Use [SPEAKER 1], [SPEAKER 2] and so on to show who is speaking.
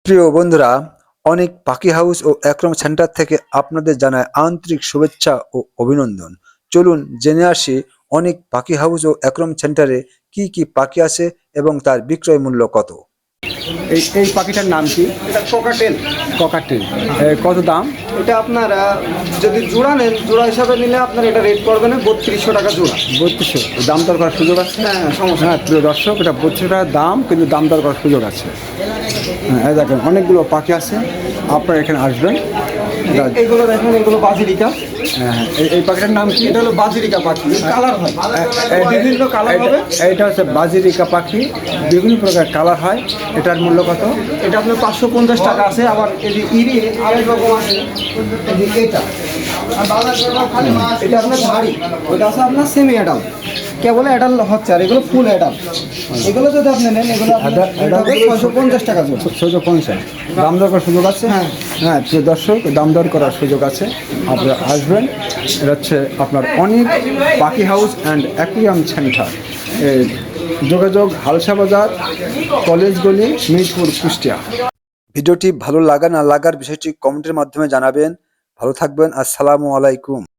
[SPEAKER 1] প্রিয় বন্ধুরা, অনেক পাখি হাউস ও অ্যাকুয়ারিয়াম সেন্টার থেকে আপনাদের জানায় আন্তরিক শুভেচ্ছা ও অভিনন্দন। চলুন জেনে আসি অনেক পাখি হাউস ও অ্যাকুয়ারিয়াম সেন্টারে কি কি পাখি আছে এবং তার বিক্রয় মূল্য কত।
[SPEAKER 2] এই পাখিটার নাম কি?
[SPEAKER 3] এটা কোকাটেল।
[SPEAKER 2] ককাটেল। কত দাম?
[SPEAKER 3] এটা আপনার যদি জোড়া নেন, জোড়া হিসাবে নিলে আপনার এটা রেট পড়বে না 3200 টাকা জোড়া।
[SPEAKER 2] 3200 দাম দর করার সুযোগ আছে?
[SPEAKER 3] হ্যাঁ, সমস্যা
[SPEAKER 2] হ্যাঁ প্রিয় দর্শক, এটা 3200 টাকা দাম, কিন্তু দাম দর করার সুযোগ আছে। হ্যাঁ, এই দেখেন অনেকগুলো পাখি আছে, আপনারা এখানে আসবেন।
[SPEAKER 3] এইগুলো দেখেন, এগুলো বাজিরিকা।
[SPEAKER 2] হ্যাঁ, এই পাখিটার নাম কি?
[SPEAKER 3] এটা হলো বাজিরিকা পাখি, কালার হয় বিভিন্ন কালার হবে।
[SPEAKER 2] এইটা হচ্ছে বাজিরিকা পাখি, বিভিন্ন প্রকার কালার হয়। এটার মূল্য কত?
[SPEAKER 3] এটা আপনার 550 টাকা আছে। আবার এই যে ইরি আরেক রকম আছে, এই যে এটা এটা আপনার ধাড়ি, ওটা আছে আপনার সেমি অ্যাডাল, কেবল অ্যাডাল হচ্ছে, আর এগুলো ফুল অ্যাডাল। এগুলো যদি আপনি নেন, এগুলো 650 টাকা জোড়া।
[SPEAKER 2] 650 দাম দর করার সুযোগ আছে।
[SPEAKER 3] হ্যাঁ।
[SPEAKER 2] হ্যাঁ প্রিয় দর্শক, দাম দর করার সুযোগ আছে, আপনারা আসবেন। এটা হচ্ছে আপনার অনেক পাখি হাউস অ্যান্ড অ্যাকুয়ারিয়াম সেন্টার, যোগাযোগ হালসা বাজার, কলেজ গলি, মিরপুর, কুষ্টিয়া।
[SPEAKER 1] ভিডিওটি ভালো লাগা না লাগার বিষয়টি কমেন্টের মাধ্যমে জানাবেন। ভালো থাকবেন। আসসালামু আলাইকুম।